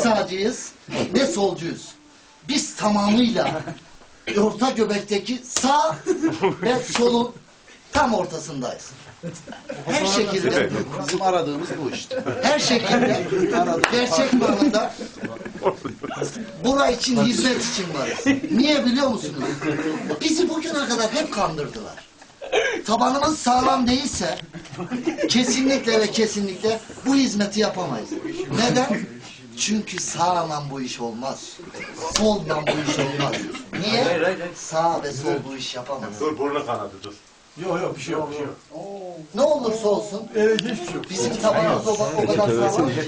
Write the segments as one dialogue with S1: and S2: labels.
S1: sağcıyız ne solcuyuz. Biz tamamıyla orta göbekteki sağ ve solun tam ortasındayız. Her şekilde
S2: Bizim aradığımız bu işte.
S1: her şekilde gerçek manada bura için, hizmet için varız. Niye biliyor musunuz? Bizi bugüne kadar hep kandırdılar. Tabanımız sağlam değilse kesinlikle ve kesinlikle bu hizmeti yapamayız. Neden? Çünkü sağla bu iş olmaz. Solla bu iş olmaz. Niye? Sağ ve sol bu iş yapamaz.
S3: Dur burnu kanadı dur.
S4: Yok bir şey yok.
S1: Ne olursa olsun bizim tabanımız o kadar sağlam ki.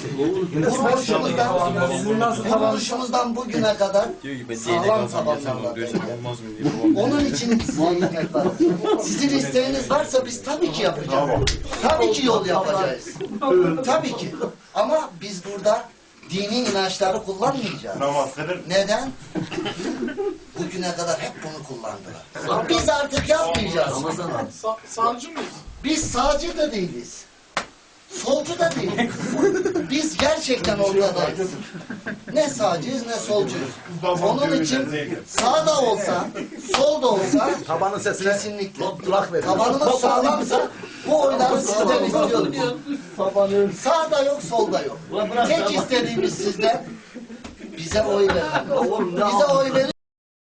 S1: Kuruluşumuzdan bugüne kadar sağlam tabanlarla. Onun için size hizmet var. Sizin isteğiniz varsa biz tabii ki yapacağız. Tabii ki yol yapacağız. Tabii ki. Ama biz burada dini inançları kullanmayacağız.
S3: Namaz kılır.
S1: Neden? Bugüne kadar hep bunu kullandılar. Biz artık yapmayacağız.
S4: Sağcı mıyız?
S1: Biz sağcı da değiliz. Solcu da değiliz. Biz gerçekten ortadayız. Ne sağcıyız ne solcuyuz. Onun için sağ da olsa, sol da olsa
S2: Tabanın sesine
S1: kesinlikle.
S2: kulak verin.
S1: Tabanımız sağlamsa bu oyları sizden istiyoruz. Sağda yok, solda yok. Tek istediğimiz sizden bize oy verin. Bize oy verin.